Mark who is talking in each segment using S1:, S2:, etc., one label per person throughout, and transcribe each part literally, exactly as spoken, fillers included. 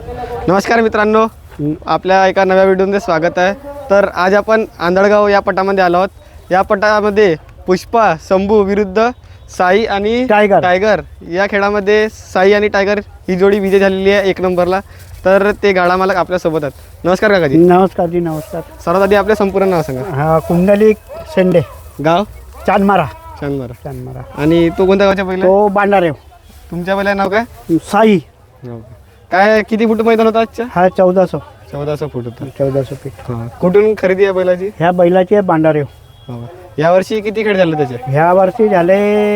S1: नमस्कार मित्रांनो, आपल्या एका नव्या व्हिडिओमध्ये स्वागत आहे। तर आज आपण आंधळगाव या पटामध्ये आलो आहोत। या पटामध्ये पुष्पा शंभू विरुद्ध साई आणि
S2: टायगर
S1: टायगर या खेळामध्ये साई आणि टायगर ही जोडी विजय झालेली आहे एक नंबरला। तर ते गाडा मालक आपल्यासोबत आहेत। नमस्कार काकाजी।
S2: नमस्कार जी, नमस्कार।
S1: सर्वात आधी आपले संपूर्ण नाव सांगा।
S2: हा कुंडलिक शेंडे,
S1: गाव
S2: चांदमारा।
S1: चांदमारा
S2: चांदमारा।
S1: आणि तो कोणत्या गावचा बैल आहे?
S2: तो बांडारेव।
S1: तुमच्या बैलाचं नाव काय?
S2: साई।
S1: काय किती फूट मैदान होतं आजच्या?
S2: हा चौदा सौ
S1: चौदा सौ फूट होतं।
S2: चौदा सौ फीट।
S1: कुठून खरेदी आहे बैलाची?
S2: ह्या बैलाची आहे बांडारेव।
S1: या वर्षी किती खेळ झाले त्याचे?
S2: ह्या वर्षी झाले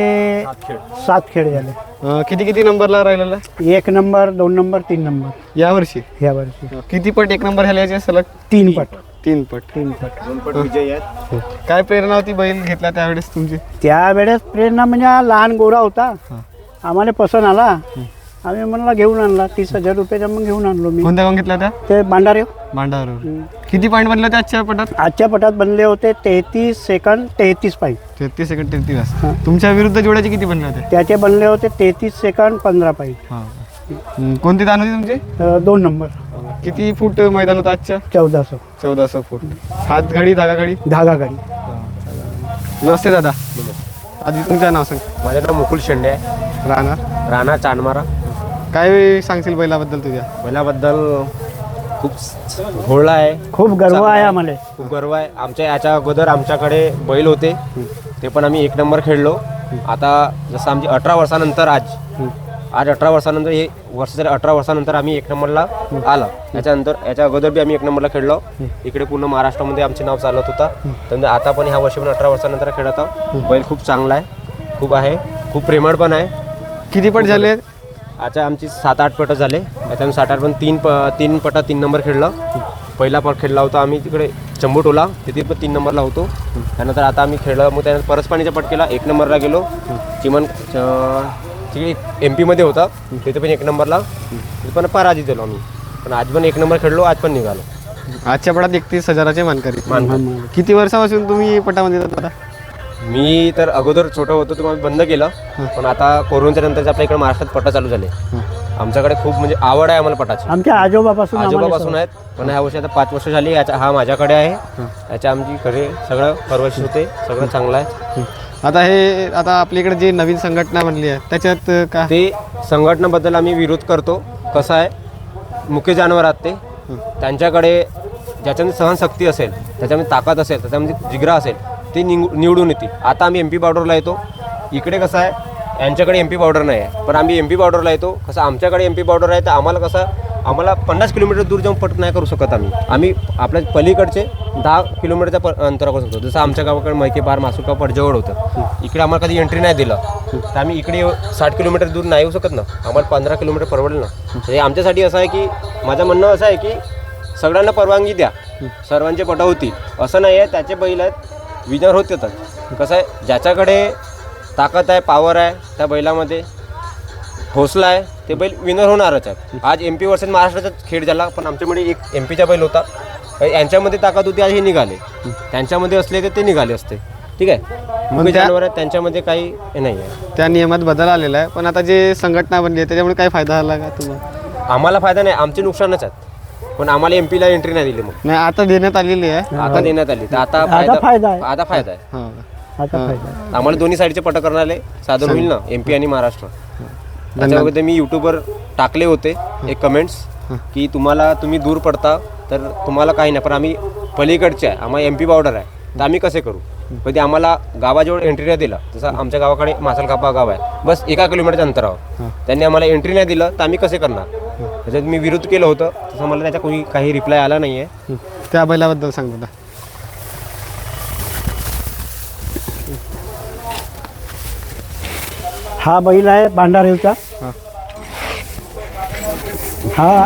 S2: सात खेळ झाले।
S1: अं, किती किती नंबरला राहिलेला?
S2: एक नंबर, दोन नंबर, तीन नंबर
S1: या वर्षी।
S2: ह्या वर्षी
S1: किती पट एक नंबर झाले याचे सलग?
S2: तीन पट।
S1: तीन पट
S2: तीन पट
S3: दोन पट विजय आहेत।
S1: काय प्रेरणा होती बैल घेतला त्यावेळेस तुमची?
S2: त्यावेळेस प्रेरणा म्हणजे हा लहान गोरा होता, आम्हाला पसंत आला, आम्ही म्हणला घेऊन आणला। तीस हजार रुपयाचा मग घेऊन आणलो मी।
S1: कोणत्या गावात घेतला त्या?
S2: ते बांडारेव।
S1: भांडारवर। किती पॉईंट बनले होते आजच्या पटात?
S2: आजच्या पटात बनले होते तेहतीस सेकंड तेहतीस पॉईंट।
S1: तेहतीस सेकंड तेहतीस।
S2: हां.
S1: तुमच्या विरुद्ध जोड्याचे किती बनले होते?
S2: त्याचे बनले होते तेहतीस सेकंड पंधरा पॉईंट।
S1: हं, कोणती दान होती तुमची?
S2: दोन नंबर।
S1: किती फूट मैदान होतं आजच्या?
S2: चौदा सौ
S1: चौदा सौ फूट। हात घडी धागा घडी?
S2: धागा गाडी।
S1: नमस्ते दादा। आधी तुमचं नाव सांग।
S3: माझं नाव मुकुल शेंडे आहे,
S1: राहणार
S3: राणा चांदमारा।
S1: काय सांगशील बैलाबद्दल तुझ्या?
S3: बैलाबद्दल खूप घोळला आहे,
S2: खूप गर्व आहे आम्हाला।
S3: खूप गर्व आहे। आमच्या याच्या अगोदर आमच्याकडे बैल होते, ते पण आम्ही एक नंबर खेळलो। आता जसं आमची अठरा वर्षानंतर आज आज अठरा वर्षानंतर हे वर्ष झाले, अठरा वर्षानंतर आम्ही एक नंबरला आलं। याच्यानंतर याच्या अगोदर बी आम्ही एक नंबरला खेळलो। इकडे पूर्ण महाराष्ट्रामध्ये आमचे नाव चालत होता। तर आता पण ह्या वर्षी पण अठरा वर्षानंतर खेळत आहोत। बैल खूप चांगला आहे, खूप आहे, खूप प्रेमळ पण आहे।
S1: किती पट झाले?
S3: आता आमची सात आठ पटं झाले। त्याच्यामध्ये सात आठ पण तीन प तीन पटा तीन नंबर खेळला। पहिला पट खेळला होता आम्ही तिकडे चंबुटोला, तिथे पण तीन नंबरला होतो। त्यानंतर आता आम्ही खेळलो, मग त्यानंतर परसपाणीचा पट केला, एक नंबरला गेलो। चिमण तिकडे एम पीमध्ये होता, तिथे पण एक नंबरला, तिथे पण पराजित झालो आम्ही। पण आज पण एक नंबर खेळलो, आज पण निघालो।
S1: आजच्या पटात एकतीस हजाराचे मानकरी।
S3: मान
S1: किती वर्षापासून तुम्ही पटामध्ये येतात आता?
S3: मी तर अगोदर छोटं होतो तुम्हाला बंद केलं, पण आता कोरोनाच्या नंतर आपल्या इकडे महाराष्ट्रात पटा चालू झाले। आमच्याकडे खूप म्हणजे आवड आहे आम्हाला पटाची।
S2: आमच्या आजोबापासून
S3: आजोबापासून आहेत, पण ह्या वर्षी आता पाच वर्ष झाली। याचा हा माझ्याकडे आहे, याच्या आमची घरी सगळं परवशित होते, सगळं चांगलं आहे।
S1: आता हे आता आपल्याकडे जी नवीन संघटना बनली आहे त्याच्यात का
S3: ते संघटनेबद्दल आम्ही विरोध करतो। कसं आहे, मुख्य जानवर आहेत ते, त्यांच्याकडे ज्याच्यामध्ये सहनशक्ती असेल, त्याच्यामध्ये ताकद असेल, त्याच्यामध्ये जिगरा असेल, ते निव निवडून येतील। आता आम्ही एम पी बॉर्डरला येतो, इकडे कसं आहे यांच्याकडे एम पी बॉर्डर नाही आहे, पण आम्ही एम पी बॉर्डरला येतो। कसं आमच्याकडे एम पी बॉर्डर आहे, तर आम्हाला कसं आम्हाला पन्नास किलोमीटर दूर जाऊन पट नाही करू शकत आम्ही आम्ही आपल्या पलीकडचे दहा किलोमीटरच्या प अंतरावर करू शकतो। जसं आमच्या गावाकडे मैके पार मासुका पट जवळ होतं, इकडे आम्हाला कधी एंट्री नाही दिलं, तर आम्ही इकडे साठ किलोमीटर दूर नाही येऊ शकत ना, आम्हाला पंधरा किलोमीटर परवडेल ना। हे आमच्यासाठी असं आहे की माझं म्हणणं असं आहे की सगळ्यांना परवानगी द्या, सर्वांचे पट होतील असं नाही आहे। त्याचे बैल आहेत विनर होत येतात। कसं आहे, ज्याच्याकडे ताकद आहे, पॉवर आहे, त्या बैलामध्ये हौसला आहे, ते बैल विनर होणारच आहे। आज एम पी वर्सेस महाराष्ट्राचा खेळ झाला, पण आमच्यामध्ये एक एम पीचा बैल होता, यांच्यामध्ये ताकद होती, आज हे निघाले, त्यांच्यामध्ये असले तर ते निघाले असते। ठीक आहे, मुख्य जानवर आहेत, त्यांच्यामध्ये काही हे नाही आहे।
S1: त्या नियमात बदल आलेला आहे, पण आता जे संघटना बनली आहे त्याच्यामुळे काय फायदा झाला का तुम्हाला?
S3: आम्हाला फायदा नाही, आमचे नुकसानच आहेत, पण आम्हाला एम पीला एंट्री नाही दिली। मग
S1: नाही, आता देण्यात आलेली आहे।
S3: आता देण्यात आली, तर आता
S2: आता फायदा आहे।
S3: आता फायदा आहे।
S1: हां,
S2: आता फायदा
S3: आम्हाला दोन्ही साईडचे पट करणारे साधन होईल ना, एम पी आणि महाराष्ट्र। त्याच्यामध्ये मी यूट्यूबवर टाकले होते एक कमेंट्स की तुम्हाला तुम्ही दूर पडता तर तुम्हाला काही नाही, पण आम्ही पलीकडचे आहे, आम्हाला एम पी बॉर्डर आहे, तर आम्ही कसे करू? कधी आम्हाला गावाजवळ एंट्री नाही दिलं, जसं आमच्या गावाकडे मासलकापा गाव आहे, बस एका किलोमीटरच्या अंतरावर, त्यांनी आम्हाला एंट्री नाही दिलं, तर आम्ही कसे करणार? त्याच्यात मी विरोध केलं होतं, तसं मला त्याचा कोणी काही रिप्लाय आला नाही आहे।
S1: त्या बैलाबद्दल सांग दादा।
S2: हा बैल आहे बांडारेवचा। हा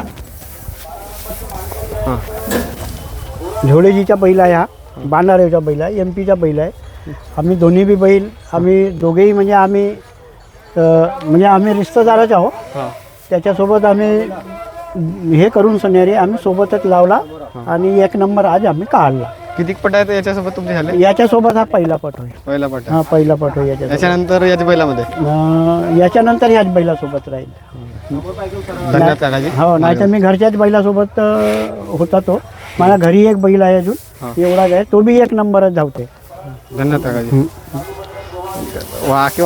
S2: झोडेजीचा बैल आहे, हा बांडारेवचा बैल आहे, एम पीचा बैल आहे। आम्ही दोन्ही बी बैल आम्ही दोघेही म्हणजे आम्ही म्हणजे आम्ही रिश्तेदारच आहोत। त्याच्यासोबत आम्ही हे करून सनेरी आम्ही सोबतच लावला आणि एक नंबर आज आम्ही काढला।
S1: किती पट आहेत याच्यासोबत तुमचे झाले?
S2: याच्यासोबत हा पहिला पट होईल।
S1: पहिला पट
S2: हा पहिला पट होईल याच्यासोबत।
S1: याच्यानंतर याच्या बैलामध्ये
S2: अं, याच्यानंतर ह्याच बैलासोबत राहील।
S1: धन्यवाद काकाजी.
S2: हो नाही तर मी घरच्याच बैलासोबत अ, होता तो. मला घरी एक बैल आहे अजून एवढाच आहे, तो बी एक नंबरच धावते.
S1: धन्यवाद काकाजी. वा